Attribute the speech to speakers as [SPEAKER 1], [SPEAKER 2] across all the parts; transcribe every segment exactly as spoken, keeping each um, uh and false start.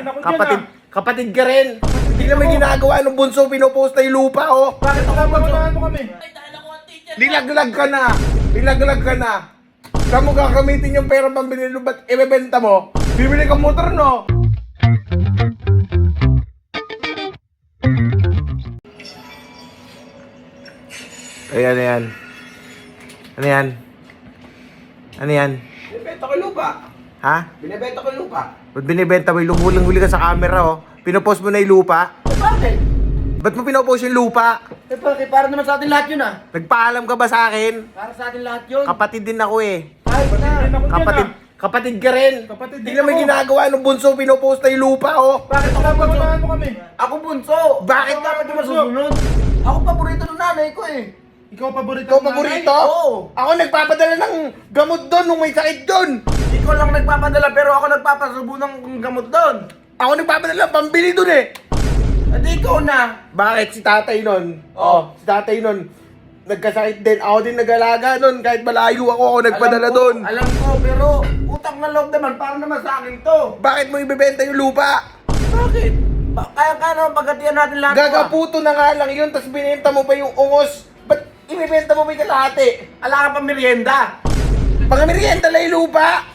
[SPEAKER 1] ako dyan,
[SPEAKER 2] Kapatid,
[SPEAKER 1] ah.
[SPEAKER 2] kapatid ka rin. Hindi na may ginagawa nung bunso, pinopost na yung lupa, oh.
[SPEAKER 1] Bakit ako bababaan mo kami?
[SPEAKER 2] Nilaglag ka na. Nilaglag ka na. Saan mo gagamitin yung pera pambili ng ba't ibebenta mo? Bibili kang motor, no? Ay, ano yan? Ano yan? Ano yan?
[SPEAKER 3] Binibenta ko yung lupa.
[SPEAKER 2] Ha?
[SPEAKER 3] Binibenta ko yung lupa.
[SPEAKER 2] Ba't binibenta mo? Lumulang-huli ka sa camera, oh. Pinopost mo na yung lupa.
[SPEAKER 3] Eh bakit?
[SPEAKER 2] Ba't mo pinopost yung lupa?
[SPEAKER 3] Eh bakit? Para naman sa atin lahat yun ah.
[SPEAKER 2] Nagpaalam ka ba sa akin?
[SPEAKER 3] Para sa atin lahat yun.
[SPEAKER 2] Kapatid din ako eh.
[SPEAKER 3] Kahit na.
[SPEAKER 1] Din ako dyan,
[SPEAKER 2] Kapatid,
[SPEAKER 1] ah.
[SPEAKER 2] kapatid ka rin.
[SPEAKER 1] Kapatid
[SPEAKER 2] Hindi
[SPEAKER 1] din
[SPEAKER 2] na may
[SPEAKER 1] ako.
[SPEAKER 2] ginagawa nung bunso, pinopost na yung lupa, oh.
[SPEAKER 3] Bakit ako bunso?
[SPEAKER 1] Bababaan mo kami?
[SPEAKER 3] Ako bunso.
[SPEAKER 2] Bakit
[SPEAKER 3] Ako dapat yung
[SPEAKER 1] bunso?
[SPEAKER 3] masusunod? Ako paborito ng nanay ko eh.
[SPEAKER 1] Ikaw paborito
[SPEAKER 2] Ikaw
[SPEAKER 1] ng nanay?
[SPEAKER 2] paborito?
[SPEAKER 3] Oo.
[SPEAKER 2] Ako nagpapadala ng gamot doon nung may sakit doon.
[SPEAKER 3] Ikaw lang nagpapadala pero ako nagpapasubo ng gamot doon.
[SPEAKER 2] Ako nagpapadala ng pambili doon eh.
[SPEAKER 3] At ikaw na.
[SPEAKER 2] Bakit si tatay nun?
[SPEAKER 3] Oh.
[SPEAKER 2] Si tatay nun, nagkasakit din. Ako din nag-alaga nun. Kahit malayo ako, ako nagpadala
[SPEAKER 3] Alam ko,
[SPEAKER 2] doon.
[SPEAKER 3] Alam ko pero utang na loob naman para naman sa akin to.
[SPEAKER 2] Bakit mo ibebenta yung lupa?
[SPEAKER 3] Bakit? Ba kaya kaya naman pagkatiyan natin lahat.
[SPEAKER 2] Gagaputo na nga lang yun, tapos binenta mo pa yung ungos. Ba't ibebenta mo pa yung kalahati?
[SPEAKER 3] Ala ka pa merienda.
[SPEAKER 2] Mga merienda lang yung lupa.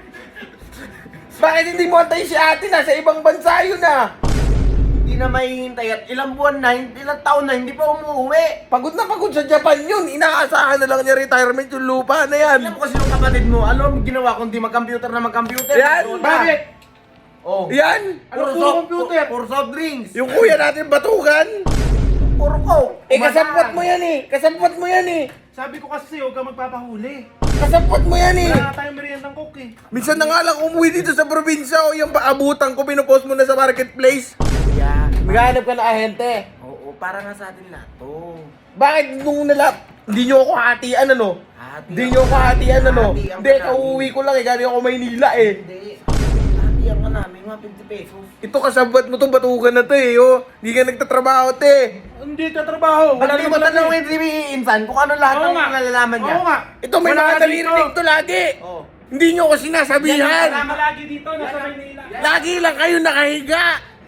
[SPEAKER 2] Bakit hindi mo antay si ate? Nasa ibang bansa yun ah.
[SPEAKER 3] Hindi na mahihintay at ilang buwan na, ilang taon na hindi pa umuwi.
[SPEAKER 2] Pagod na pagod sa Japan yun. Inaasahan na lang niya retirement yung lupa na yan.
[SPEAKER 3] Alam mo kasi yung kapatid mo, alam mo ginawa kundi mag-computer na mag-computer.
[SPEAKER 2] Yan,
[SPEAKER 3] Doon na.
[SPEAKER 2] bakit?
[SPEAKER 3] Oh.
[SPEAKER 2] Yan.
[SPEAKER 3] Puro
[SPEAKER 1] Ano, puro
[SPEAKER 3] soft,
[SPEAKER 1] computer?
[SPEAKER 3] puro soft drinks.
[SPEAKER 2] Yung kuya natin batugan.
[SPEAKER 3] Puro coke.
[SPEAKER 2] Eh kasapwat mo yan eh. Kasapwat mo yan eh.
[SPEAKER 1] Sabi ko kasi huwag ka magpapahuli.
[SPEAKER 2] Kasapwat mo yan eh.
[SPEAKER 1] Wala nga tayong meriendang coke eh.
[SPEAKER 2] Minsan na nga lang umuwi dito sa probinsya o yung paabutan ko, pinupost mo na sa marketplace.
[SPEAKER 3] Yeah.
[SPEAKER 2] Maghanap ka na ahente.
[SPEAKER 3] Oo, para nga sa atin lahat to.
[SPEAKER 2] Bakit nung nalap, hindi nyo ako hatian ano?
[SPEAKER 3] Hati
[SPEAKER 2] Hindi
[SPEAKER 3] ang-
[SPEAKER 2] nyo ako hatian ano?
[SPEAKER 3] hati ang
[SPEAKER 2] Hindi,
[SPEAKER 3] kanami.
[SPEAKER 2] kauwi ko lang eh, galing ako Maynila eh.
[SPEAKER 3] Hindi. Hati ang ka namin, mga fifty pesos.
[SPEAKER 2] Ito kasabot mo to, batugan na to eh, oh. Hindi ka nagtatrabaho, te.
[SPEAKER 1] Hindi ka trabaho.
[SPEAKER 3] Wala
[SPEAKER 1] Wala
[SPEAKER 3] di
[SPEAKER 1] naman
[SPEAKER 3] mo
[SPEAKER 1] talaga eh.
[SPEAKER 3] tanongin si Insan kung ano lahat
[SPEAKER 1] Oo
[SPEAKER 3] ng
[SPEAKER 1] nga.
[SPEAKER 3] nalalaman niya.
[SPEAKER 1] Oo nga.
[SPEAKER 2] Ito, may
[SPEAKER 1] Wala
[SPEAKER 2] mga
[SPEAKER 1] ka dito.
[SPEAKER 2] naririnig to lagi.
[SPEAKER 3] Oo.
[SPEAKER 2] Hindi nyo ako
[SPEAKER 1] Yan
[SPEAKER 2] sinasabihan.
[SPEAKER 1] ang lagi dito, nasa Maynila.
[SPEAKER 2] Lagi lang kayo nakahiga.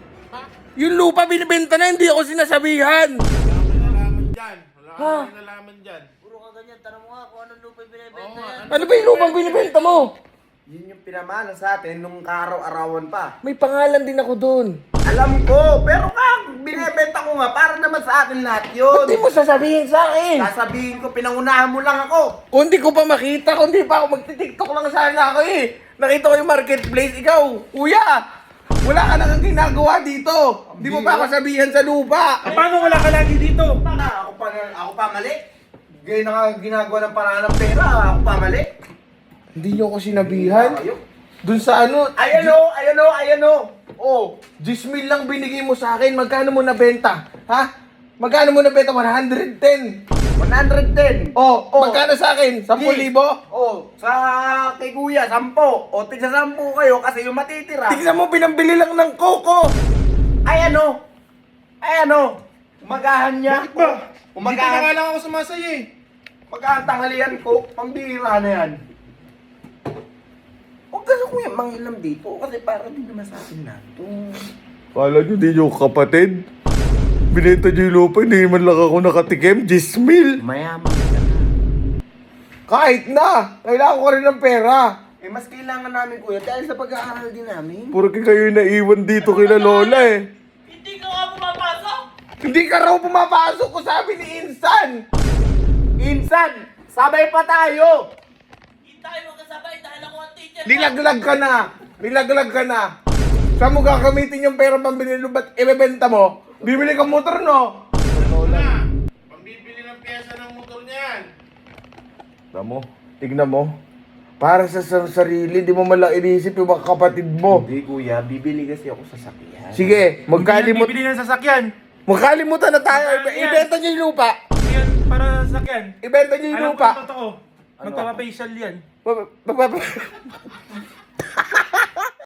[SPEAKER 2] Yung lupa binibenta na, hindi ako sinasabihan.
[SPEAKER 1] Nalaman dyan. Wala
[SPEAKER 2] Ha?
[SPEAKER 1] kang nalaman dyan.
[SPEAKER 3] Puro ka ganyan, tanong mo nga kung anong lupa yung binibenta yan.
[SPEAKER 2] Ano ba yung lupang binibenta mo?
[SPEAKER 3] Yun yung pinamana sa atin nung kaaraw-arawan pa.
[SPEAKER 2] May pangalan din ako doon.
[SPEAKER 3] Alam ko, pero ka, binibenta ko nga para naman sa atin lahat yun.
[SPEAKER 2] Hindi mo sasabihin sa akin.
[SPEAKER 3] Sasabihin ko, pinangunahan mo lang ako.
[SPEAKER 2] Kung di ko pa makita, kung di pa ako magti-tiktok lang sana ako eh. Nakita ko yung marketplace, ikaw, kuya. Wala ka nang ginagawa dito. Di mo pa ako sabihan sa lupa.
[SPEAKER 1] Eh, paano wala ka lagi dito?
[SPEAKER 3] Na, ako pa, ako pa mali. Gaya na nga ginagawa ng paraan ng pera, ako pa mali.
[SPEAKER 2] Hindi nyo ako sinabihan.
[SPEAKER 3] Ayaw.
[SPEAKER 2] Dun sa ano,
[SPEAKER 3] Ayan o, ayan o, ayan o.
[SPEAKER 2] oh, ten mil lang binigay mo sa akin. Magkano mo nabenta? Ha? Magkano mo nabenta? one hundred ten.
[SPEAKER 3] one hundred ten.
[SPEAKER 2] Oh,
[SPEAKER 3] Oh.
[SPEAKER 2] magkano sa akin? ten libo?
[SPEAKER 3] Oh, sa kay kuya, sampo. O, tigsa sampo kayo kasi yung matitira.
[SPEAKER 2] Tignan mo, pinambili lang ng coco.
[SPEAKER 3] Ay ano? Ay ano? Umagahan niya.
[SPEAKER 1] Bakit ba? Dito na nga
[SPEAKER 3] Umagahan.
[SPEAKER 1] lang ako sumasaya eh.
[SPEAKER 3] Umagahan tanghalian ko. Pambira na yan. Huwag kasi kuya mangilam dito kasi para din naman sa atin na to.
[SPEAKER 2] Kala nyo, di nyo kapatid? Binenta nyo yung lupa, hindi man lang ako nakatikim. ten mil.
[SPEAKER 3] Mayaman ka na.
[SPEAKER 2] Kahit na, kailangan ko rin ng pera.
[SPEAKER 3] Eh mas kailangan namin kuya dahil sa pag-aaral din namin.
[SPEAKER 2] Puro kayo yung naiwan dito kila Lola eh.
[SPEAKER 4] Hindi ka nga pumapasok!
[SPEAKER 2] Hindi ka raw pumapasok ko, sabi ni Insan.
[SPEAKER 3] Insan, sabay pa tayo.
[SPEAKER 4] Hindi tayo magkasabay dahil ako ang teacher.
[SPEAKER 2] Nilaglag ka na. Nilaglag ka na. Saan mo gagamitin yung pera pambili ng ba't ibebenta mo? Bibili kang motor, no?
[SPEAKER 1] Na, pambibili ng pyesa ng motor niyan.
[SPEAKER 2] Tignan mo. Tignan mo. Para sa sa sarili, di mo malang inisip yung mga kapatid mo.
[SPEAKER 3] Hindi kuya, bibili kasi ako sa sakyan.
[SPEAKER 2] Sige, magkalimut
[SPEAKER 1] Bibili ng sasakyan.
[SPEAKER 2] magkalimutan na tayo.
[SPEAKER 1] Magkano yan?
[SPEAKER 2] Ibenta niyo yung lupa.
[SPEAKER 1] Yan para sa sasakyan.
[SPEAKER 2] Ibenta niyo yung
[SPEAKER 1] Alam ko
[SPEAKER 2] lupa.
[SPEAKER 1] yung totoo. Magpapafacial yan.
[SPEAKER 2] Ba- ba- ba- ba-